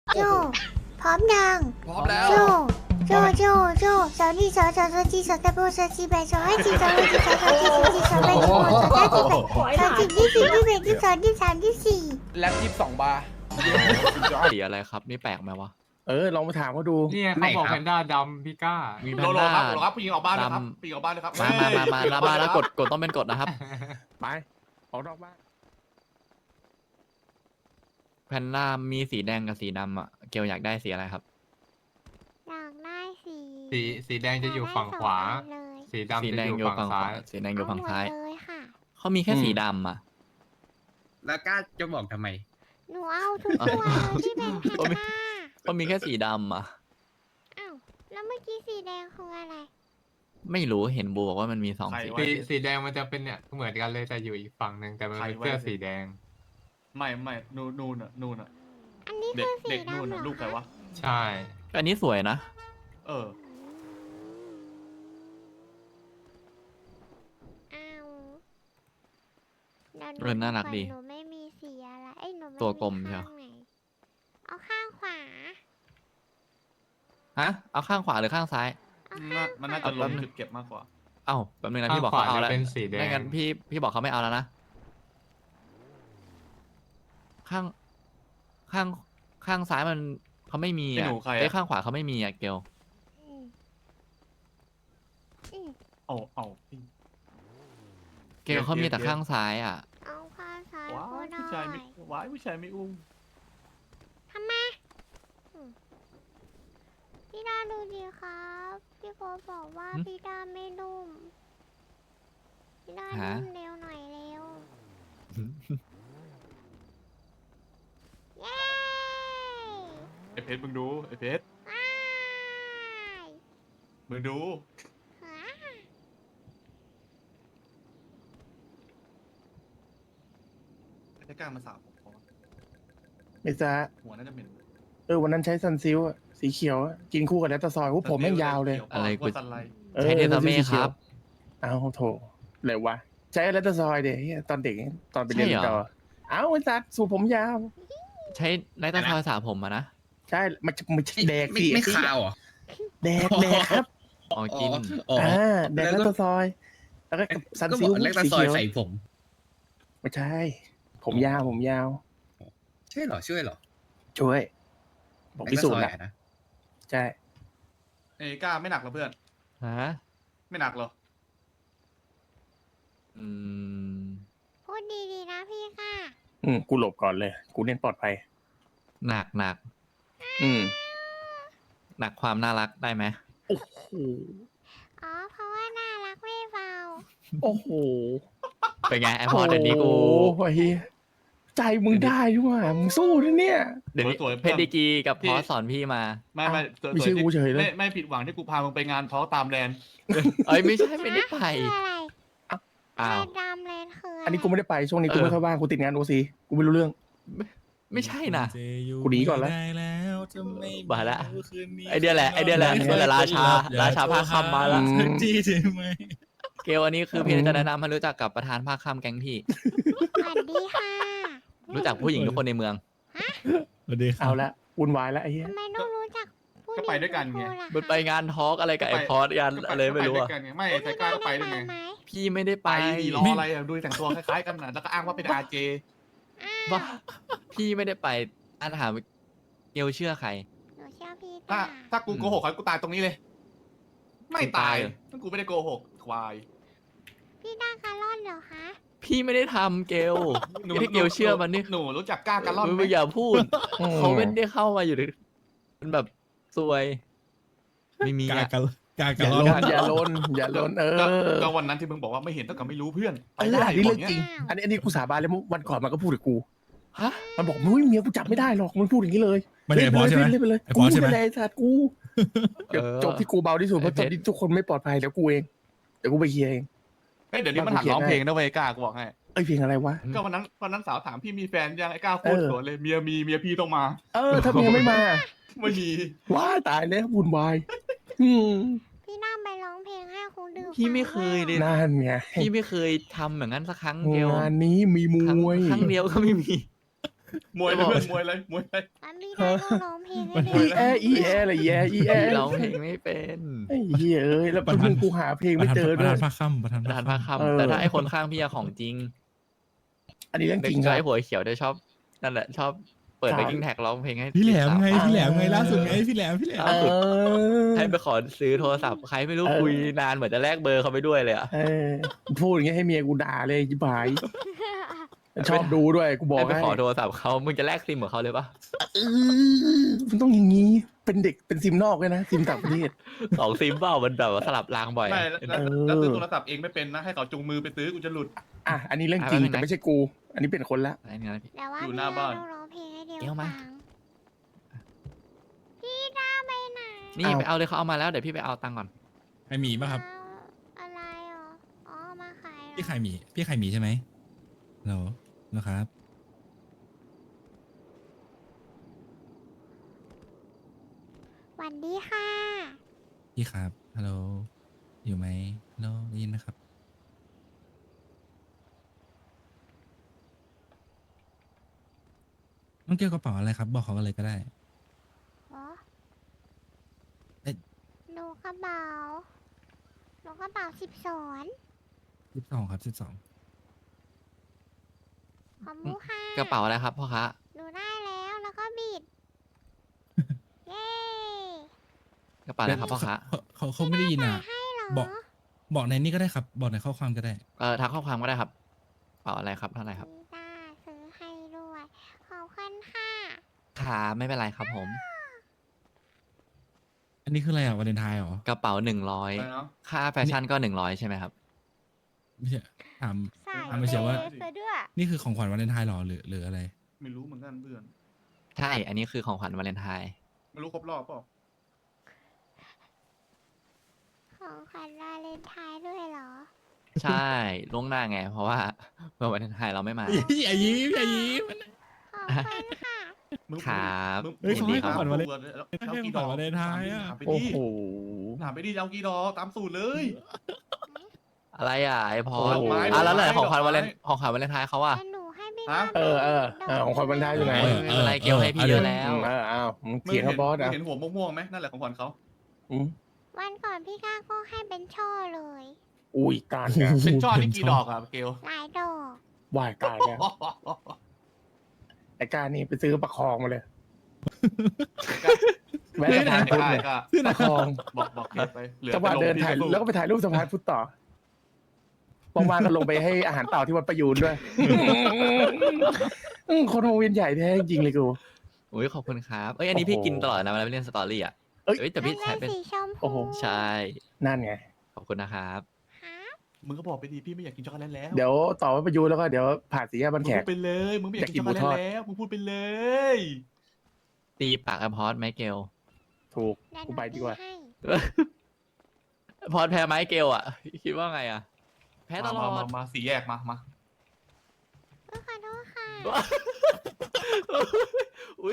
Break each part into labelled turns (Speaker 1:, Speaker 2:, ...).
Speaker 1: โจพร้อมยัง
Speaker 2: พร้อมแล้ว
Speaker 1: โจสาวนี่สาวจีสาวตะโบสาวจีแบสาวให้จีสาวให้จีสาวจีสาวแบสาวสาวจีแบสาวจีที่สี่ที่แบที่สองที่สามที่สี่
Speaker 2: แล็บ22 บาร์
Speaker 3: สีอะไรครับนี่แปลกไหมวะ
Speaker 4: ลองมาถามเขาดู
Speaker 5: นี่ไงเขาบอกแพนด้าดำพี่ก้า
Speaker 3: มีแพ
Speaker 2: โล
Speaker 3: น
Speaker 2: โล
Speaker 3: ด้า
Speaker 2: ครับโลครับผู้หญิงออกบ้านเลยครับผู้หญิงออกบ้านเลยครับ
Speaker 3: มาแล้วกดต้องเป็นกดนะครับ
Speaker 4: ไปออกนอกบ้าน
Speaker 3: แพนด้ามีสีแดงกับสีดำอ่ะเกลอยากได้สีอะไรครับ
Speaker 1: อยากได้สี
Speaker 5: สีแดงจะอยู่ฝั่งขวา
Speaker 1: เลย
Speaker 5: สีดำ
Speaker 3: สี
Speaker 5: จะ
Speaker 3: แด
Speaker 5: อง ยู่
Speaker 3: อยู่
Speaker 5: ฝั่
Speaker 3: ฝั่
Speaker 5: ง
Speaker 3: งข
Speaker 5: ซ้า
Speaker 3: วาย สีแดงอยู่ฝั่งซ้าย
Speaker 1: เอาหมดเลยค่ะ
Speaker 3: เขามีแค่สีดำอ่ะ
Speaker 6: แล้วกล้าจะบอกทำไม
Speaker 1: หนูเอาทุกตัวเลยที่เป็นแพนด้า
Speaker 3: เขามีแค่สีดำอ่ะ
Speaker 1: อ้าวแล้วเมื่อกี้สีแดงคืออะไร
Speaker 3: ไม่รู้เห็นบูบอกว่ามันมีสองสี
Speaker 5: สีแดงมันจะเป็นเนี่ยเหมือนกันเลยแต่อยู่อีกฝั่งหนึ่งแต่มันเป็นเสื้อสีแดง
Speaker 2: ไม่นู่นน่ะ
Speaker 1: อันนี้
Speaker 2: เด็
Speaker 1: คื
Speaker 2: ก
Speaker 1: อสี
Speaker 2: เด็ก
Speaker 1: ดำ
Speaker 2: นู่น
Speaker 1: เหร
Speaker 2: น่ะ
Speaker 1: อ
Speaker 2: ลูกใครวะ
Speaker 5: ใช่
Speaker 3: อันนี้สวยนะ
Speaker 2: เออ
Speaker 1: อ้าว
Speaker 3: เออน่ารักดี
Speaker 1: หนูไม่มีสีอะไรเอ้ยหนูไม่
Speaker 3: ตัวกลมใช่
Speaker 1: ข้างไหนเอาข้างขวา
Speaker 3: ฮะเอาข้างขวาหรือข้างซ้าย
Speaker 1: เอาข้าง
Speaker 2: มันน่าจะลงจุดเก็บมากกว่า
Speaker 3: เอ้าแป๊บนึงนะ
Speaker 5: ข้าง
Speaker 3: พี่บอก
Speaker 5: ขวา
Speaker 3: เขาเอา
Speaker 5: จะ
Speaker 3: แล้ว
Speaker 5: เป็นสีแด
Speaker 3: ไม่
Speaker 5: ง
Speaker 3: งั้นพี่บอกเขาไม่เอาแล้วนะข้างซ้ายมันเขาไม่มี
Speaker 2: ไอ้
Speaker 3: อ่ะ
Speaker 2: หนูใครอะ
Speaker 3: ไอ้ข้างขวาเขาไม่มีอ่ะเกล
Speaker 1: อืมอืม
Speaker 2: เอา
Speaker 3: เกลเขามีแต่ข้างซ้ายอ่ะ
Speaker 1: เอาข้างซ้าย
Speaker 2: ว้า
Speaker 1: ก็
Speaker 2: ย
Speaker 1: ได้
Speaker 2: ผู้ชายไม่ว้ายผู้ชายไม่อุ้ม
Speaker 1: ทำไมอืมพี่ดาดูดีครับพี่โกบอกว่า
Speaker 3: หึ
Speaker 1: พี่ดาไม่นุ่มพี่ดา
Speaker 3: ฮะ
Speaker 1: นุ่มเร็วหน่อยเร็วเย้
Speaker 2: ไอเพชรมึงดูไอเพชร
Speaker 1: ว้าย
Speaker 2: มึงดู
Speaker 1: หา
Speaker 2: ไอ้กล้ามาสาบผมพอ
Speaker 4: ไม่จ้า
Speaker 2: หัวน่าจะเหม็น
Speaker 4: วันนั้นใช้ซันซิลอะสีเขียวอะกินคู่กับแลตตาซอยผมแม่งยาวเลย
Speaker 3: อะไรกู
Speaker 2: กูสันไล
Speaker 3: ใช้เทสเม่ครับ
Speaker 4: เอาโถเลยวะใช้แลตตาซอยเดี๋ยวตอนเด็กตอนไปเรียน
Speaker 3: ใช่เหรอ
Speaker 4: ต่อเอาไอ้สัตว์สูบผมยาว
Speaker 3: ใช้ไนท์ตาซอยสระผมอะนะ
Speaker 4: ใช่มันไม่ใช่แดก
Speaker 6: ไม่
Speaker 4: สิ
Speaker 6: ไม่คาวเหรอ
Speaker 4: แดกครับ
Speaker 3: อ๋อกิน
Speaker 6: อ๋อ
Speaker 4: แดกแลตตาซอย แล้วก็ซัน
Speaker 6: ก็บ
Speaker 4: ซิ
Speaker 6: อ
Speaker 4: ล
Speaker 6: กเล็กตา
Speaker 4: สี
Speaker 6: ซอย
Speaker 4: เขียว
Speaker 6: ใส่ผม
Speaker 4: ไม่ใช่ ผมยาวผมยาว
Speaker 6: ใช่เหรอช่วยเหรอ
Speaker 4: ช่วยผมพิสูจน์
Speaker 6: เล็
Speaker 4: นะ
Speaker 6: กตาซอยอะนะ
Speaker 4: ใช่
Speaker 2: ไอ้กล้าไม่หนักเหรอเพื่อน
Speaker 3: ฮะ
Speaker 2: ไม่หนักเหรอ
Speaker 3: อืม
Speaker 1: พูดดีๆนะพี่ค่ะ
Speaker 4: กูหลบก่อนเลย กูเน้นปลอดภัย
Speaker 3: หนัก
Speaker 4: อืม
Speaker 3: หนักความน่ารักได้ไหม
Speaker 4: โอ้โห
Speaker 1: อ๋อเพราะว่าน่ารักไม่เบา
Speaker 4: โอ้โห
Speaker 3: เป็นไงไอพอเดี๋ยวนี้กู
Speaker 4: โอ้ยใจมึงได้ด้วยว่ะมึงสู้นะเนี่ย
Speaker 3: เดี๋ยวนี้
Speaker 2: สวยๆ
Speaker 3: เพชรดีกรีกับพอสอนพี่มา
Speaker 2: ไม่สวย
Speaker 4: ไม่ใช่กูเฉยเลย
Speaker 2: ไม่ผิดหวังที่กูพามึงไปงานท้อตามแลนด์
Speaker 3: เอ้ยไม่ใช่ไม่ได้ไป
Speaker 1: คืออะไร
Speaker 3: อ้าว
Speaker 1: แลนดำเลนคืออะไร
Speaker 4: อันนี้กูไม่ได้ไปช่วงนี้กูไม่เข้าบ้านกูติดงานโอซีกูไม่รู้เรื่อง
Speaker 3: ไม่ใช่นะ
Speaker 4: กูหนีก่อนแล้ว
Speaker 3: มาละไอเดียแหละนี่แหละราชาภาคค่ำมาละ
Speaker 6: จี้ใช่ไหม
Speaker 3: เกลอันนี้คือพี่จะแนะนำให้รู้จักกับประธานภาคค่ำแก๊งพี่
Speaker 1: สวัสดีค่ะ
Speaker 3: รู้จักผู้หญิงทุกคนในเมือง
Speaker 4: เอาละวุ่นวายแล้วไอ้เหี้ย
Speaker 1: ทำไมต้องรู้จักผู้หญิง
Speaker 2: ก็ไปด้วยกันไง
Speaker 1: ทุคล่ะ
Speaker 3: มันไปงานทอล์กอะไรกับไอพอสกันอะไรไม่รู้
Speaker 2: ก็
Speaker 3: อะ
Speaker 2: ปด้วยกันงไม่ไอ้กล้าก็ไปด้วยไง
Speaker 1: ไหม
Speaker 3: พี่ไม่ได้
Speaker 2: ไป
Speaker 3: ไป
Speaker 2: ดีรออะไรอ่ะดูแต่งตัวคล้ายๆกันนะแล้วก็อ้างว่าเป็นอาเจ
Speaker 3: บ้าพี่ไม่ได้ไปอันถามเกลเชื่อใคร
Speaker 1: หนูเชื่อพี่
Speaker 2: ถ้า
Speaker 1: ตา
Speaker 2: ถ้ากูโกหกเขากูตายตรงนี้เลย ไม่ตาย
Speaker 3: กูตายเหรอ
Speaker 2: ถ้ากูไม่ได้โกหกควาย
Speaker 1: พี่ตาคาร์ลอนเหรอคะ
Speaker 3: พี่ไม่ได้ทำเกลที่เกลเชื่อมันนี่
Speaker 2: หนูรู้จักกล้าการล่อนไหม
Speaker 3: มึงอย่าพูด เขาไม่ได้เข้ามาอยู่ในมันแบบซวย ไม่มี
Speaker 6: กา
Speaker 3: อะ
Speaker 6: กันกา
Speaker 4: อ
Speaker 6: กัน
Speaker 4: ย่า
Speaker 6: ร้
Speaker 4: ล
Speaker 6: อน
Speaker 4: นอย่าลนอย่าลน
Speaker 2: ก็วันนั้นที่มึงบอกว่าไม่เห็นเท่ากับไม่รู้เพื่อนไป
Speaker 4: อัน
Speaker 2: ได้
Speaker 4: นี้
Speaker 2: บ
Speaker 4: เรื่
Speaker 2: อ
Speaker 4: อก ง
Speaker 2: เงี้
Speaker 4: จริ
Speaker 2: ย
Speaker 4: ง อันนี้กูสาบานเลยวันก่อนมันก็พูดกับกู
Speaker 3: ฮะ
Speaker 4: มันบอกมึงเมียกูจับไม่ได้หรอกมันพูดอย่างนี้เลย
Speaker 6: ไม่ได้ไอ้พอใช่ไหม
Speaker 4: เล่นไปเลย
Speaker 6: ไอ้
Speaker 4: กู
Speaker 6: พอใช่ไหม
Speaker 4: ไม่ได้สัตว์กูเดี๋ยวจบที่กูเบาที่สุดเพราะตอนนี้ทุกคนไม่ปลอดภัยเดี๋ยวกูเองเดี๋ยวกูไปเคลียร์เอง
Speaker 2: เฮ้ยเดี๋ยวนี้มันหัดร้องเพลงนะเว้ยกล้ากูบอกให้
Speaker 4: เอ้ยเพลงอะไรวะ
Speaker 2: ก็วันนั้นสาวถามพี่มีแฟนยังไอ้กล้าพูดสวนเลยเมียพี่ต้องมา
Speaker 4: ถ้าเมียไม่มา
Speaker 2: ไม่มี
Speaker 4: ว้ายตายแล้ววุ่นวายอืม
Speaker 1: พี่น้าไปร้องเพลงให้คุณดู
Speaker 3: พี่ไม่เคยเลย
Speaker 4: นั่นไง
Speaker 3: พี่ไม่เคยทำอย่างนั้นสักครั้งเดียว
Speaker 4: งานนี้มีมวย
Speaker 3: ครั้งเดียวก็ไม่มี
Speaker 2: มวยเลยเพื่อนมวยเลย
Speaker 1: แล้วพี่น้าต้องร้องเพเพลงให้ด้วย
Speaker 4: อีแออะไรอีแอ
Speaker 3: พี่ร้องเพลงไม่เป็น
Speaker 4: ไอ้เหี้ยเอ้ยแล้วมึงกูหาเพลงไม่เจอ
Speaker 6: ประ
Speaker 4: ด้วย
Speaker 6: ธานภาคค่ำประธาน
Speaker 3: ประธาน
Speaker 6: ภา
Speaker 3: ภา
Speaker 6: ค
Speaker 3: ค
Speaker 6: ค่ำ
Speaker 3: ค่ำแต่ถ้าไอคนข้างพี่อะของจริง
Speaker 4: อันนี้เรื่อง
Speaker 3: เด็
Speaker 4: จ
Speaker 3: ก
Speaker 4: ริงค
Speaker 3: ชา
Speaker 4: รั
Speaker 3: ย
Speaker 4: บ
Speaker 3: หัวเขียวจะชอบนั่นแหละชอบเปิด
Speaker 4: ใช่
Speaker 3: ไปกิ้งแท็กร้องเพลงให้
Speaker 6: พี่แหลมไง
Speaker 3: จีบสาว
Speaker 6: พี่แหลมไงล่าสุดไงพี่แหลม
Speaker 3: ล่าสุด
Speaker 4: เออ
Speaker 3: ให้ไปขอซื้อโทรศัพท์ใครไม่รู้คุยนานเหมือนจะแลกเบอร์เขาไปด้วยเลยอะ
Speaker 4: เออพูดอย่างเงี้ยให้เมียกูด่าเลยจิบหายชอบดูด้วยกูบอก
Speaker 3: ให้ไป
Speaker 4: ให้
Speaker 3: ขอโทรศัพท์เขามึงจะแลกซิมของเขาเลยปะ
Speaker 4: มันต้องอย่างงี้เป็นเด็กเป็นซิมนอกเลยนะซิมต่างประเทศ
Speaker 3: 2 ซิมเปล่ามันแบบว่าสลับรางบ่อย
Speaker 2: ไม่
Speaker 3: อะ
Speaker 2: แล้วซื้อโทรศัพท์เองไม่เป็นนะให้เขาจูงมือไปซื้อกูจะหลุด
Speaker 4: อ่ะอันนี้เรื่องจริง
Speaker 3: อะไรนะ
Speaker 4: แต่ไม่ใช่กู อันนี้เป็นคนละ
Speaker 3: อะไรเนี่ยนะพี่
Speaker 1: แต่ว่า
Speaker 2: อยู่
Speaker 1: พี่
Speaker 2: หน้าบ้าน
Speaker 1: ต้องร้องเพลงให้เดียว
Speaker 3: เดี๋ยวมา
Speaker 1: ฟังพี่ด้าไปไหน
Speaker 3: นี่ไปเอาเลยเขาเอามาแล้วเดี๋ยวพี่ไปเอาตังค์ก่อน
Speaker 6: ใครหมีป่ะครับ
Speaker 1: เอาอะไรอ๋ออ๋อมาขายเหรอ
Speaker 6: พี่ไข่หมีพี่ไข่หมีใช่ไหมเหรอนะครับ
Speaker 1: สวัสดีค่ะ
Speaker 6: พี่ครับฮัลโหลอยู่ไหมฮัลโหลได้ยินไหมครับน้องเกี่ยวกระเป๋าอะไรครับ บอกเขากันเลยก็ได้
Speaker 1: อ๋อ
Speaker 6: เอ๊ะ
Speaker 1: หนูกระเป๋าหนูกระเป๋า12
Speaker 6: 12ครับ12
Speaker 1: ของมูค่ะ
Speaker 3: กระเป๋าอะไรครับพ่อคะ
Speaker 1: หนูได้แล้วก็บิด เย้
Speaker 3: กระเป๋าอะไรครับพ่อคะ
Speaker 6: เขาไม่ได้ยินอ่ะ
Speaker 1: ให้เหรอ
Speaker 6: บอกในนี้ก็ได้ครับ บอกในข้อความก็ได้
Speaker 3: ทักข้อความก็ได้ครับกระเป๋าอะไรครับเท่าไหร่ครับ
Speaker 1: พี่ต้าซื้อให้ด้วยขอบคุณค่ะ
Speaker 3: ขาไม่เป็นไรครับผม
Speaker 6: อันนี้คืออะไรอ่ะวาเลนไทน์เหรอ
Speaker 3: กระเป๋า
Speaker 2: อะไร
Speaker 3: 100
Speaker 2: เนาะ
Speaker 3: ค่าแฟชั่นก็100ใช่ไหมครับ
Speaker 6: ไม่ใช่ถาม
Speaker 1: ใส่
Speaker 6: ไม่ใช่ว่า
Speaker 1: เซฟด้วย
Speaker 6: นี่คือของขวัญวาเลนไทน์เหรอหรืออะไร
Speaker 2: ไม่รู้เหมือนกันเพื่อน
Speaker 3: ใช่ อันนี้คือของขวัญวาเลนไทน์
Speaker 2: ไม่รู้ครบรอบเปล่า
Speaker 1: ของขวัญวาเลนไทน์ด้วยเหรอ
Speaker 3: ใช่ล่วงหน้าไง เพราะว่าเมื่อวาเลนไทน์เราไม่มา
Speaker 6: อย่ายิ้มอย่ายิ้ม
Speaker 1: ขอบคุณค่ะ
Speaker 2: มึง
Speaker 3: ครับ
Speaker 2: มึง
Speaker 6: เฮ้ยเขาให้ของขวัญวาเลน
Speaker 2: แล้ว
Speaker 6: ให้
Speaker 2: เอา
Speaker 6: ของ
Speaker 2: กี่
Speaker 6: ข
Speaker 2: ด
Speaker 6: วั
Speaker 2: อ
Speaker 6: ญ
Speaker 2: ก
Speaker 6: วาเลนไทน์อะ
Speaker 2: ถามไป
Speaker 4: โอ้
Speaker 2: ดิ
Speaker 4: โห
Speaker 2: ถามไปดิเอากี่ดอกตามสูตรเลย
Speaker 3: อะไรอ่ะไอพอ
Speaker 4: โอ้
Speaker 3: ด
Speaker 4: โห
Speaker 3: แล้วไหน
Speaker 2: ดอกไม้
Speaker 3: ของขวัญ
Speaker 2: ดอกไม้
Speaker 3: วาเลนไทน์เขาอ่ะ
Speaker 1: แต่หนูให้พี่
Speaker 2: ฮะ
Speaker 1: ด้า
Speaker 4: ของขวัญวาเลนไทน์อยู่ไหน
Speaker 3: ไม่เป็นไรเกลให้พี่เยอะแล้ว
Speaker 4: อ้าวมึง
Speaker 2: มึง
Speaker 4: เถียง
Speaker 2: เห็
Speaker 4: กัน บบอส
Speaker 2: มึง
Speaker 4: อ่ะ
Speaker 2: เห็นหัวม่วงๆไหมนั่นแหละของขวัญเขา
Speaker 4: อืม
Speaker 1: วันก่อนพี่ก้าก็ให้เป็นช่อเลย
Speaker 4: อุ้ยตายแล้ว
Speaker 2: เป็นช่อนี่กี่ดอกอะเกล
Speaker 1: หลายดอก
Speaker 4: วายตายแล้วไอ้การนี่ไปซื้อประคองมาเลยแวะสะพานพุทธเลย
Speaker 2: ก็
Speaker 4: ประคอง
Speaker 2: บอกเกลไปเหลือ
Speaker 4: จังหวะเดินถ่ายแล้วก็ไปถ่ายรูปสะพานพุทธต่อว่างๆก็ลงไปให้อาหารเต่าที่วัดประยูนด้วยคนวงเวียนใหญ่แท้จริงเลยกู
Speaker 3: อุ้ยขอบคุณครับ เอ้ยอันนี้พี่
Speaker 4: โอ้โห
Speaker 3: กินตลอดนะเวลาไปเล่นสตอรี่อ่ะ
Speaker 4: เอ้ย
Speaker 3: เอ้ยแต่พี่
Speaker 1: มัน
Speaker 3: ใช้
Speaker 1: เป็
Speaker 3: เป็น น
Speaker 1: สีชม
Speaker 4: โอ้โห
Speaker 1: พู
Speaker 3: ใช่
Speaker 4: นั่นไง
Speaker 3: ขอบคุณนะครับ
Speaker 1: ฮะ
Speaker 2: มึงก็บอกไปดิพี่ไม่อยากกินช็อกโกแลตแล้ว
Speaker 4: เดี๋ยวต่อวัดประยูนแล้วก็เดี๋ยวผ่านสี่แยกบ้าน
Speaker 2: มึง
Speaker 4: แข
Speaker 2: พู
Speaker 4: ก
Speaker 2: ดไปเลยมึงไม่อยากกินช็อกโกแลตแล้วมึงพูดไปเลย
Speaker 3: ตีปากไอพอดไหมเกล
Speaker 4: ถูก
Speaker 1: เดี๋ยวห
Speaker 4: กู
Speaker 1: นู
Speaker 4: ไปดีกว่า
Speaker 1: ให้
Speaker 3: พอดแพ้ไหมเกลอ่ะ คิดว่าไงอ่ะ แพ้ตลอด
Speaker 2: มาสี่แยกมา
Speaker 1: ขอโทษค่ะ
Speaker 3: อุ้ย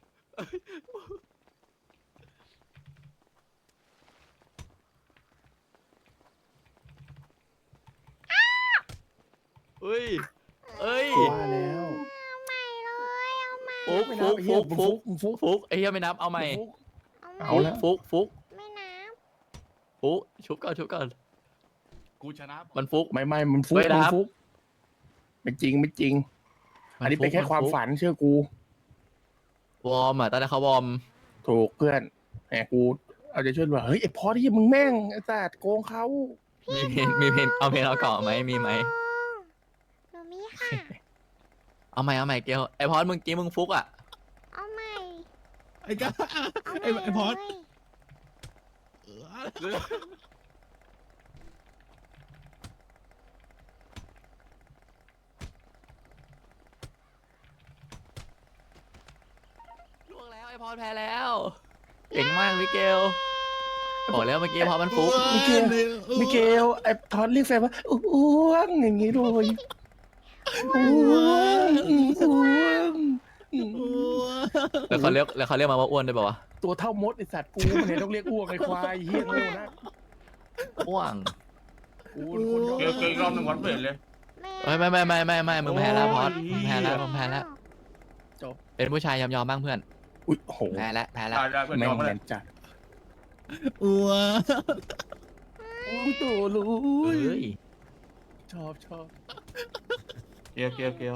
Speaker 3: อุ้ยเอ้ย
Speaker 4: ว่าแล้ว
Speaker 1: เอาใหม่เลยเอาใหม่
Speaker 3: ฟุก
Speaker 4: ไม่
Speaker 3: ฟุ
Speaker 4: นับ
Speaker 3: ก
Speaker 4: ไอ้เหี้
Speaker 3: ฟุ
Speaker 4: ย
Speaker 3: ก
Speaker 4: มึง
Speaker 3: ฟุ
Speaker 4: ฟุ
Speaker 3: ก
Speaker 4: กมึงฟุก
Speaker 3: ฟุกไอ้เหี้ยไม่นับเอาใหม่
Speaker 4: ฟุก
Speaker 1: เอาใหม่
Speaker 4: เอาละ
Speaker 3: ฟุกฟุก
Speaker 1: ไม่นับ
Speaker 3: ฟุกชุบก่อนชุบก่อน
Speaker 2: กูชนะ
Speaker 3: มันฟุก
Speaker 4: ไม่มันฟุก
Speaker 3: ไม่นับ
Speaker 4: มันฟุกไม่จริงไม่จริง อันนี้เป็นแค่ความฝันเชื่อกู
Speaker 3: วอร์มอ่ะตอนแรกเขาวอร์ม
Speaker 4: ถูกเพื่อนแหมกูเอาใจช่วยว่าเฮ้ยไอ้พอที่มึงแม่งไอ้สัตว์โกงเขา
Speaker 3: มีเพนเอาเพนเอาเกาะไหมมีไหม
Speaker 1: หนูมีค่ะ
Speaker 3: เอาใหม่เกลไอพอดมึงกี้มึงฟุกอ่ะ
Speaker 1: เอาใหม่
Speaker 6: ไอ้ก้า
Speaker 1: เอาให
Speaker 6: ไอ้พอด
Speaker 1: เลย
Speaker 3: ล่วงแล้วไอพอดแพ้แล้วเก่งมากมิเกลบอกแล้วเมื่อกี้พอมันฟุก
Speaker 4: มิเกลมิเกลไอ้พอดเรียกแฟนว่าอ้วงอย่างงี้เลยอ้วงอ้วง
Speaker 3: แล้วเขาเรียกมาว่าอ้วนด้วยเปล่าวะ
Speaker 4: ตัวเท่ามดไอ้สัตว์กูมันเห็นต้องเรียกอ้วงไอ้ควายเฮี้ยโง่นะ
Speaker 3: อ้วง
Speaker 4: กูเป็นคนยอม
Speaker 2: เกลอีกรอบหนึ่งวันเปิดเลย
Speaker 3: เฮ้ยไม่มึงแพ้แล้วพอดมึงแพ้แล้วมึงแพ้แล้ว
Speaker 4: จบ
Speaker 3: เป็นผู้ชายยอมบ้างเพื่อน
Speaker 4: อุ้ยโห
Speaker 3: แพ้แล้ว
Speaker 2: ได้เพื่อน
Speaker 4: แม่
Speaker 2: ย
Speaker 4: ง
Speaker 2: อมมา
Speaker 4: แม
Speaker 2: เลย
Speaker 4: นจัด
Speaker 6: อ้ว
Speaker 4: โอ้โตลุ
Speaker 3: เฮ้
Speaker 4: ย
Speaker 3: ย
Speaker 4: ชอบ
Speaker 2: เกล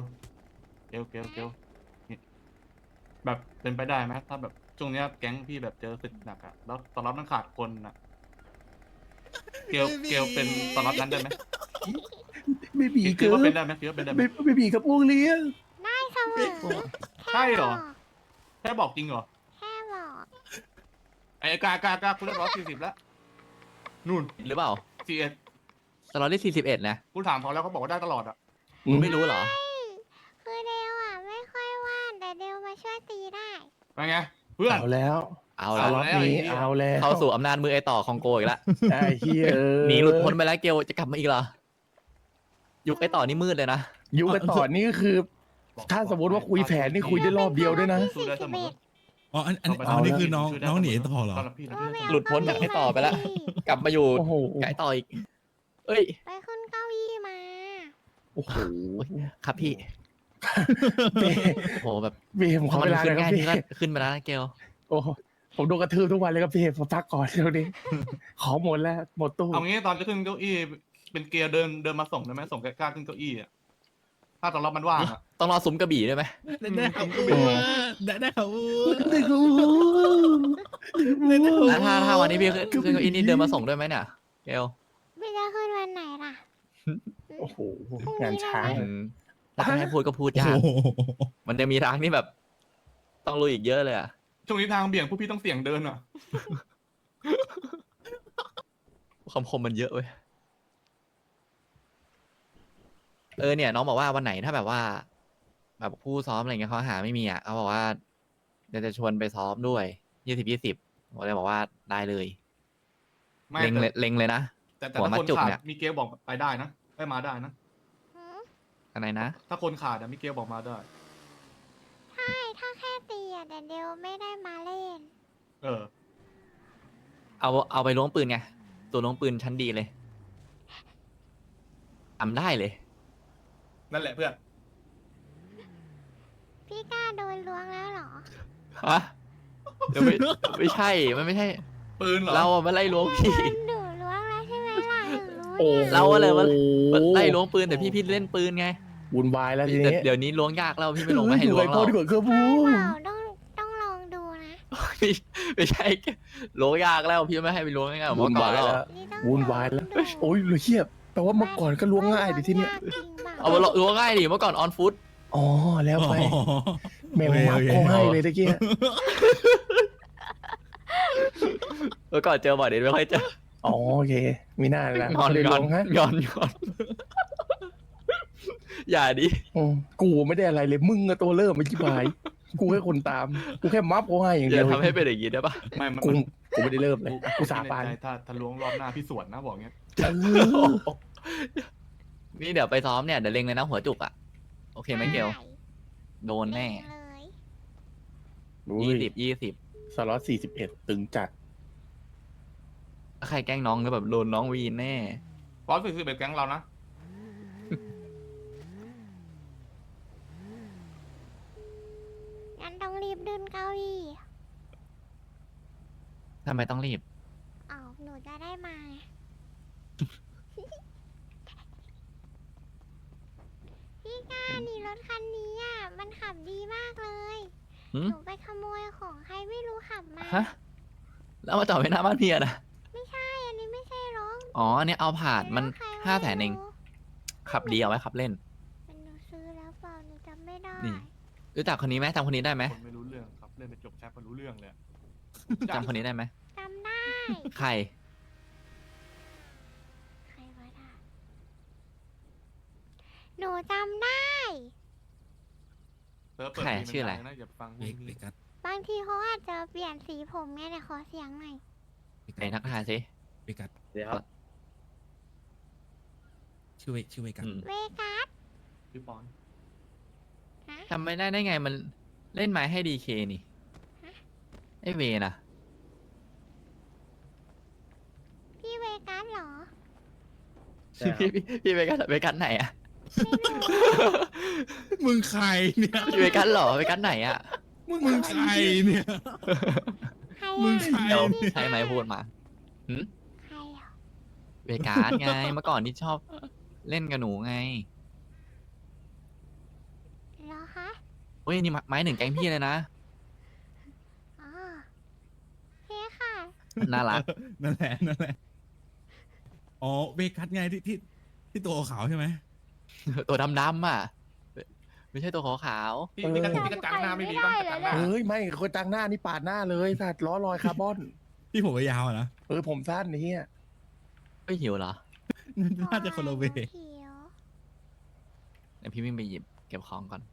Speaker 2: นี่แบบเป็นไปได้ไหมถ้าแบบช่วงเนี้ยแก๊งพี่แบบเจอศึกหนักอะแล้วตอนรับมันขาดคนอะเกลเป็นตอนรับนั้นได้ไหม
Speaker 4: ไม่มี
Speaker 2: คิ
Speaker 4: เกิ
Speaker 2: ด
Speaker 4: น
Speaker 2: ว่าเป็นได้ไหมคิดว่าเป็นได้ไหม
Speaker 4: ไม่มีกับพวกเลี้ยง
Speaker 1: ได้เสมอ
Speaker 2: ใช่เหรอ แค่บอกจริงเหรอ
Speaker 1: แค่บอก
Speaker 2: ไอ้กาคุณได้140แล้วนู่น
Speaker 3: หรือเปล่า
Speaker 2: 41
Speaker 3: สล็อตที่41นะ
Speaker 2: กูถามเขาแล้วเขาบอกว่าได้ตลอดอะ
Speaker 3: คุณไม่รู้เหรอ
Speaker 1: คือเดวอ่ะไม่ค่อยว่านแต่เดวมาช่วยตีได้
Speaker 2: เป็นไงเพื่อน
Speaker 4: เอาแล้ว
Speaker 3: เอา
Speaker 4: เอา
Speaker 3: ละ
Speaker 4: ล็อตนี้เอาแล้ว
Speaker 3: เข้าสู่อำนาจมือไอต่อของโกอีกแล้ว
Speaker 4: ไอ้เฮีย
Speaker 3: หนีหลุดพ้นไปแล้วเกลจะกลับมาอีกเหรอ ยุคไอต่อนี่มืดเลยนะ
Speaker 4: ยุคกันต่อนี่ก็คือ ถ้าสมมติว่าคุยแผนนี่คุยได้รอบเดียวด้วยนะ
Speaker 2: สู้ได้เสมอ
Speaker 6: อ๋ออัน
Speaker 4: เอาแล้ว
Speaker 6: นี่คือน้องหนีต่อเหรอ
Speaker 2: ตอนรับพี่นะพี่
Speaker 3: หลุดพ้นจากไอต่อไปแล้ว กลับมาอยู่
Speaker 4: โอ้โห
Speaker 3: กับไอต่ออีก เอ้ย
Speaker 1: ไปขึ้นเก้าอี้มา
Speaker 4: โอ้โห
Speaker 3: ครับพี่
Speaker 4: เบ
Speaker 3: โอ้โหแบบ
Speaker 4: เบผมขอ
Speaker 3: มั
Speaker 4: เวลาห
Speaker 3: ขึ้
Speaker 4: น่อน ยครับ
Speaker 3: ง่าย
Speaker 4: พี่
Speaker 3: พี่ก็ขึ้นมาแล้วนะเกล
Speaker 4: โอ้โหผมโดนกระทืบทุกวันเลยครับพี่ผมพักก่อนเดี๋ยวนี้ ขอหมดแล้วหมดตู้
Speaker 2: เอางี้ตอนจะขึ้นเก้าอี้เป็นเกียร์เดินมาส่งได้ไหมส่งกล้าขึ้นเก้าอี้อะถ้าตอนรับมันว่างอะ
Speaker 3: ต้องรอซุ้มกระบี่ด้วยไหม
Speaker 6: ได้ข่าวอ้วได้ข่าวอ้ว
Speaker 4: เด็กรู้
Speaker 3: แล้วถ้าวันนี้พี่ขึ้นเก้าอี้นี่เดินมาส่งด้วยไหมเนี่ยเกล
Speaker 1: ไม่จะขึ้นวันไหนล่ะ
Speaker 4: โอ้โหงานช้าง
Speaker 3: อืมแล้วจะให้พูดก็พูด
Speaker 6: โอ้
Speaker 3: ยาก
Speaker 6: โห
Speaker 3: มันจะมีทางที่แบบ ต้องลุยอีกเยอะเลยอะ
Speaker 2: ช่วงนี้ทางเบี่ยงผู้พี่ต้องเสี่ยงเดินอะ
Speaker 3: คำคมมันเยอะเว้ย เนี่ยน้องบอกว่าวันไหนถ้าแบบว่า แบบผู้ซ้อมอะไรเงี้ยเขาหาไม่มีอ่ะเขาบอกว่าเดี๋ยวจะชวนไปซ้อมด้วย20ผมเลยบอกว่าได้เลย
Speaker 2: ไม่
Speaker 3: เล็งเลยนะ
Speaker 2: แต่
Speaker 3: หัว
Speaker 2: ถ้า
Speaker 3: มัด
Speaker 2: คน
Speaker 3: จุก
Speaker 2: ขาด
Speaker 3: เนี่ย
Speaker 2: มีเกลบอกไปได้นะได้มาได้นะ
Speaker 1: หือ
Speaker 3: อะไรนะ
Speaker 2: ถ้าคนขาดอะมีเกลบอกมาได้
Speaker 1: ใช่ถ้าแค่ตีอ่ะแต่เดวไม่ได้มาเล่น
Speaker 2: เออ
Speaker 3: เอาไปล้วงปืนไงตัวล้วงปืนชั้นดีเลยทำได้เลย
Speaker 2: นั่นแหละเพื่อน
Speaker 1: พี่กล้าโดนล้วงแล้วเหรอ
Speaker 3: ฮะเดี๋ยวไม่ใช่มันไม่ใช่
Speaker 2: ปืนเหรอ
Speaker 3: เราอะมาไล่ล้วงพี่
Speaker 1: โดนดูล้วงแล้วใช่ไหมล่ะหนูรู้
Speaker 4: โอ้
Speaker 1: เนี่ย
Speaker 3: เราอะไรมาไล่ล้วงปืนแต่พี่เล่นปืนไง
Speaker 4: วุ่นวายแล้วที
Speaker 3: แต่
Speaker 4: นี้
Speaker 3: เดี๋ยวนี้ล้วงยากแล้วพี่ไม่ลงไม่ให้ล้วง
Speaker 4: พ่อ
Speaker 3: เรา
Speaker 4: ดีกว่าเครื่องพู
Speaker 1: เป
Speaker 4: ด
Speaker 1: ล่าต้องลองดูนะ
Speaker 3: ไม่ใช่ล้วงยากแล้วพี่ไม่ให้ไปล้วงง่ายๆเหมือน
Speaker 4: วุ่น
Speaker 3: เมื่อก่อ
Speaker 4: วาน ย
Speaker 3: แล้ว
Speaker 4: แล้ว
Speaker 1: นี่ต้อง
Speaker 4: วุ่นวายแล้ว โอ้ยเฮียแปลว่าเมื่อก่อนก็ล้วงง่ายดิที่เนี่ย
Speaker 1: จริงเปล่า
Speaker 3: เอามาล้วงง่ายดิเมื่อก่อนออนฟุต
Speaker 4: อ๋อแล้วไป
Speaker 6: อ๋อ
Speaker 4: แมวมาก็ให้เลยตะเกีย
Speaker 3: เมื่อก่อนเจอบ่อยเดี๋ยวไม่ค่อยเจอ
Speaker 4: อ๋อโอเคมีหน้าแล้ว
Speaker 3: งอน
Speaker 4: เลย
Speaker 3: ง
Speaker 4: ล
Speaker 3: อน
Speaker 4: งฮะ
Speaker 3: งอนอย่าดิ
Speaker 4: กูไม่ได้อะไรเลยมึงอะตัวเริ่มไม่ชิบหายกูแค่คนตามกูแค่มัฟเขาให้อย่าง
Speaker 3: อ
Speaker 4: เดีย
Speaker 3: ย่าว ทำให้เป็นอย่างนี้ได้ปะ
Speaker 2: ไม่มัน
Speaker 4: กูไม่ได้เริ่มเลยกูสาบาน
Speaker 2: ในใจถ้าล้วงรอบหน้าพี่สวนนะบอกเงี้ย
Speaker 3: นี่เดี๋ยวไปซ้อมเนี่ยเดี๋ยวเล็งเลยนะหัวจุกอ่ะโอเคไหมเกลโดนแน่
Speaker 1: เลย
Speaker 3: 20
Speaker 4: สล็อต41ตึงจัด
Speaker 3: ถ้าใครแกล้งน้องก็แบบโดนน้องวีนแน่
Speaker 2: ฟอส41แก๊งเรานะ
Speaker 1: งั้นต้องรีบดึงเก้าอี้
Speaker 3: ทำไมต้องรีบ
Speaker 1: อ้าวหนูจะได้มาไง พี่กานี่รถคันนี้อ่ะมันขับดีมากเลย
Speaker 3: หืม
Speaker 1: หนูไปขโมยของใครไม่รู้ขับมา
Speaker 3: ฮะแล้วมาจอดไว้หน้าบ้านพี่อะนะ
Speaker 1: ไม่ใช่อันนี้ไม่ใช่รถ
Speaker 3: อ๋ออันนี้เอาผ่านมัน
Speaker 1: รถใคร
Speaker 3: 500,000เองขับดีเอาไว้ขับเล่น
Speaker 1: เป็นหนูซื้อแล้วเปล่าหนูจำไม่ได้
Speaker 3: นี่ รู้จักคนนี้ไหมจำคนนี้ได้ไหม
Speaker 2: คนไม่รู้เรื่องครับเล่นไปจบแชทก็รู้เรื่องเลยอะ
Speaker 3: จำคนนี้ได้ไหม
Speaker 1: จำได้
Speaker 3: ใคร
Speaker 1: ใครวะน่ะหนูจำได้
Speaker 2: เซิร์ฟเปิด
Speaker 3: ใคร
Speaker 2: เพลง
Speaker 3: ชื่ออะไร
Speaker 2: ดังๆนะอย่าฟังพว
Speaker 6: เบ
Speaker 2: ก
Speaker 6: เบ
Speaker 2: นี้
Speaker 6: กัส
Speaker 1: บางทีเขาอาจจะเปลี่ยนสีผมไงแต่ขอเสียงหน่อย
Speaker 3: ไหนทักทายสิ
Speaker 6: เบกัส
Speaker 3: เดี๋ยว
Speaker 6: ชื่อเบกัส
Speaker 1: เวกัส
Speaker 2: พี่ปอน
Speaker 1: ฮะ
Speaker 3: ทำไม่ได้ไงมันเล่นไม้ให้ดีเคนี่ไอเวนะ
Speaker 1: พี่เวกัสเหรอ
Speaker 3: พี่เวกัสไหนอะ
Speaker 6: มึงใครเนี่ย
Speaker 3: พี่เวกัสเหรอเวกัสไหนอะ
Speaker 6: มึงใครเนี่ย
Speaker 1: ใคร
Speaker 6: มึง
Speaker 1: อ่ะ
Speaker 6: ใคร
Speaker 3: เดี๋ยว
Speaker 6: เนี่ย
Speaker 3: ใช่ไหมพูดมา
Speaker 1: ใครอ่ะ
Speaker 3: เวการ์ดไง เมื่อก่อนที่ชอบเล่นกับหนูไง
Speaker 1: เหรอคะ
Speaker 3: เฮ้ย นี่ไม้หนึ่งแก๊งพี่เลยนะ
Speaker 1: อ๋อโอเคค่ะ
Speaker 3: น่ารัก
Speaker 6: นั่นแหละอ๋อเวกัสไงที่ตัวขาวใช่ไหม
Speaker 3: ตัวดำๆอ่ะ ไม่ใช่ตัวขาว
Speaker 2: พี่กระจังหน้าไม่มีบ้างกระจังหน้า
Speaker 4: เฮ้ยไม่คนจังหน้านี่ปาดหน้าเลยสัตว์ล้อลอยคาร์บอน
Speaker 6: ที่ผมยาวอะนะ
Speaker 4: ผมสั้นไอ้เหี้ย
Speaker 3: ๆไม่หิวเหรอ
Speaker 6: น่าจะคนละเว
Speaker 1: เขียว
Speaker 3: เดี๋ยวพี่วิ่งไปหยิบเก็บของก่อน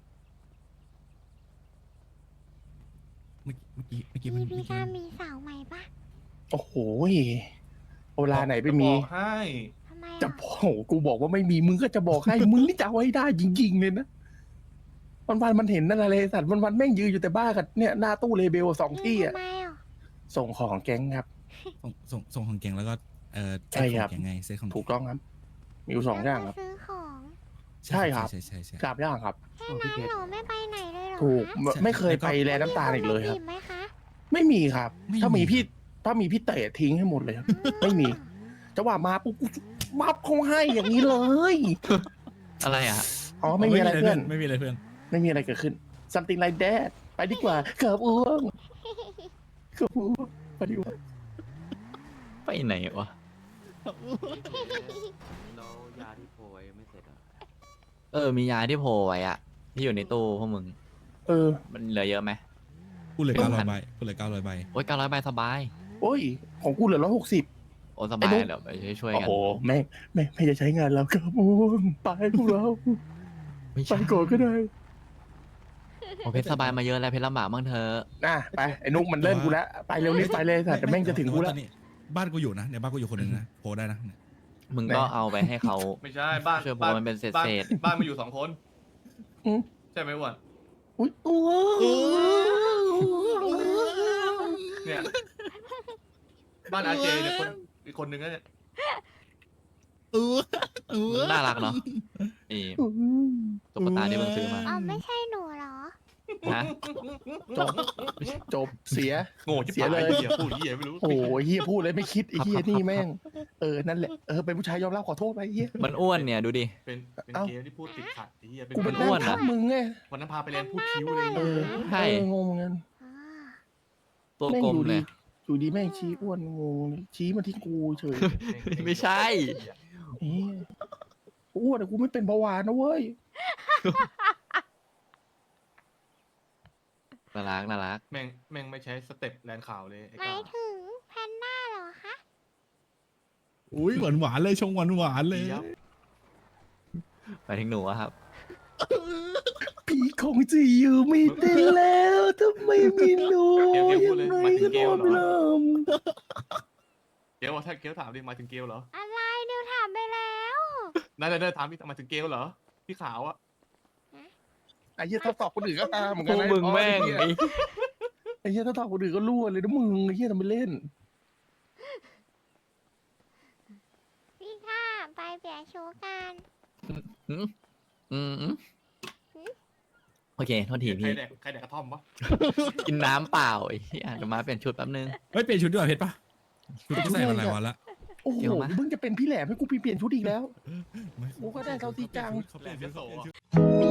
Speaker 6: เมื่อกี้
Speaker 1: พี่
Speaker 6: มัน
Speaker 1: พี่ก้ามีสาวใหม่ปะ
Speaker 4: โอ้โหเวลาไหนไปมี
Speaker 2: บอกให้
Speaker 1: ทำไม
Speaker 4: จะ
Speaker 1: อ่ะ
Speaker 4: โอ้โหกูบอกว่าไม่มีมึงก็จะบอกให้ มึงนี่จะเอาให้ได้จริงๆเลยนะวันมันเห็นนั่นอะไรสัตว์วันแม่งยืนอยู่แต่บ้านกับเนี่ยหน้าตู้เลเบลสองที่อ่ะ
Speaker 1: ทำไมอ่ะ
Speaker 4: ส่งของแก๊งครับ
Speaker 6: ส่งของเก่งแล้วก็
Speaker 4: ใช่ครับ
Speaker 6: เซ็ตของเก่งไงเซ็ตของ
Speaker 4: ถูกต้องครับ มีอยู่สองอย่างครับ
Speaker 1: แล้วก็ซื้อของ
Speaker 4: ใช่ครับ
Speaker 6: ใช่
Speaker 4: สามอย่างครับ
Speaker 1: แค่นั้นเหรอไม่ไปไหนเลยเหรอ
Speaker 4: ถูก
Speaker 1: คะ
Speaker 4: ไม่เคยไปแลน้ำตาลอีกเลยครับ
Speaker 1: มีนมาจีไหมคะ
Speaker 4: ไม่มีครับ ถ้ามีพี่เตะทิ้งให้หมดเลยครับ ไม่มีจังหวะมาปุ๊บกูมับเขาให้อย่างนี้เลย
Speaker 3: อะไรอ่ะ
Speaker 4: อ๋อไม่มีอะไรเพื่อน
Speaker 6: ไม่มีอะไรเพื่อน
Speaker 4: ไม่มีอะไรเกิดขึ้น something like that ไปดีกว่าเกือบอ้วงเกือบอ้วงไปดีกว่า
Speaker 3: ไปไหนวะ
Speaker 7: แล้วยาที่โพยไม่เสร็จอ่ะ
Speaker 3: มียาที่โผล่ไว้อ่ะ ที่อยู่ในตู้พวกมึง
Speaker 4: เออ
Speaker 3: มันเหลือเยอะไหม
Speaker 6: กูเหลือ
Speaker 3: เป็น
Speaker 6: 900
Speaker 3: พัน
Speaker 6: ใบกูเหลือ900ใบ
Speaker 3: โอ้ย900 ใบสบาย
Speaker 4: โอ้ย ของกูเหลือ160
Speaker 3: โอ้สบาย
Speaker 4: ไอ้นุ๊ก
Speaker 3: เดี๋ยวไปช่วย
Speaker 4: โอ้
Speaker 3: ๆกัน
Speaker 4: โหไม่จะใช้งานแล้วครับอ้วงไปพวกเรา
Speaker 3: ไม่
Speaker 4: ไป
Speaker 3: ใช่
Speaker 4: ก่อนก็ได้
Speaker 3: โอ้เพชรสบายมาเยอะแล้วเพชรลำบากบ้างเธอะ
Speaker 4: น่ะไปไอ้นุ๊กมันเล่นกูแล้วไปเร็วรีบไปเลยสัตว์แต่แม่งจะถึงกูแล้ว
Speaker 6: ตอนนี้บ้านกูอยู่นะเนี่ยบ้านกูอยู่คนหนึ่งนะโพได้นะเนี่ย
Speaker 3: มึงก็เอาไปให้เขา
Speaker 2: ไม่ใช่บ้าน
Speaker 3: ช่วยโพ
Speaker 2: บ้าน
Speaker 3: มันเป็นเศษ
Speaker 2: บ้าน
Speaker 3: เศษ
Speaker 2: บ้านมาอยู่2 คน
Speaker 4: อืม
Speaker 2: ใช่ไหมวะ
Speaker 4: อุ้ยอ้วง
Speaker 2: เนี่ยบ้านอาเจเนี่ยคนอีกคนนึงนะเนี่ย
Speaker 3: น่ารักเนาะนี่ตุ๊กตาที่มึงซื้อมา
Speaker 1: อ๋อไม่ใช่หนูเหรอ
Speaker 3: ฮะ
Speaker 4: จบเสีย
Speaker 2: โง่จิ๋
Speaker 4: เสียเลย
Speaker 2: เหี้ยพูดเหี้ยไม่รู้
Speaker 4: โอ้ยเฮียพูดเลยไม่คิดไอ้เฮียนี่แม่งนั่นแหละเป็นผู้ชายยอมรับขอโทษไปเฮีย
Speaker 3: มันอ้วนเนี่ยดูดิ
Speaker 2: เป็น
Speaker 4: เอ้า
Speaker 2: เกมที่พูดติดขัดไอ้เหี้ยเป็น
Speaker 4: กูเป็น
Speaker 3: อ้
Speaker 4: อ้
Speaker 3: ว
Speaker 4: วน น
Speaker 3: อะ
Speaker 4: ทับมึงไง
Speaker 2: วันนั้นพาไปเรียนพูดคิ้วเลย
Speaker 3: ใช่
Speaker 4: งงเหมือนกัน
Speaker 1: อ๋อ
Speaker 3: ตัว
Speaker 4: แม่ง
Speaker 3: กลม
Speaker 4: อยู่
Speaker 3: เล
Speaker 4: ดี
Speaker 3: ย
Speaker 4: อยู่ดีแม่งชี้อ้วนงงชี้มาที่กูเฉย
Speaker 3: ไม่ใช่
Speaker 4: เฮียอ้วนแต่กูไม่เป็นเบาหวานนะเว้ย
Speaker 3: น่ารัก
Speaker 2: แม่งไม่ใช้สเต็ปแลนข่าวเลยไอ้
Speaker 1: หมาย
Speaker 2: ก้า
Speaker 1: ถึงแพนด้าเหรอคะ
Speaker 6: อุ้ยหวานเลยชงหวานเลย
Speaker 2: เดี๋ยว
Speaker 3: ไปถึงหนูอะครับ
Speaker 4: พี่คงจะอยู่ไม่ได้แล้วถ้าไม่มีหนู
Speaker 2: เกลพูดเลย
Speaker 4: ยังไง
Speaker 2: มาถึ
Speaker 4: ก็
Speaker 2: งเก
Speaker 4: น
Speaker 2: ล
Speaker 4: อน
Speaker 2: เหร
Speaker 4: ไม่ห
Speaker 2: อ
Speaker 4: ลับ
Speaker 2: เกลถ้าเกลถามดิมาถึงเกลเหรอ
Speaker 1: อะไรเดี๋ยวถามไปแล้ว
Speaker 2: นั่นถามพี่มาถึงเกลเหรอพี่ขาวอะ
Speaker 4: ไอ้เหี้ยถ้าตอบคนอื่นก็ตามเหมือน
Speaker 3: พ
Speaker 4: กั
Speaker 3: วน ก
Speaker 4: นะ
Speaker 3: มึงแม่ง
Speaker 4: ไอ้เหี้ยถ้าตอบคนอื่นก็รั่วเลยนะมึงไอ้เหี้ยทำไมเล่น
Speaker 1: พี่ข้าไปเปลี่ยนชุดกัน
Speaker 3: อืมโอเค โทษที
Speaker 2: ใคร
Speaker 3: พี่
Speaker 2: แดกกระท่อมวะ
Speaker 3: กินน้ำเปล่าไอ้เหี้ยเดี๋ยวมาเปลี่ยนชุดแป๊บนึง
Speaker 6: เฮ้ยเปลี่ยนชุดดีกว่าเพชรปะชุดกูใส่มาหลายวันละ
Speaker 4: โอ้โห
Speaker 3: เดี๋ยวมา
Speaker 4: มึงจะเป็นพี่แหลมให้กูเปลี่ยนชุดอีกแล้ว
Speaker 6: ไม่
Speaker 4: กูก็ได้เท่าที่จัง
Speaker 6: เขาเปลี่ยนชุด
Speaker 2: แหลมยโสอะ
Speaker 1: มี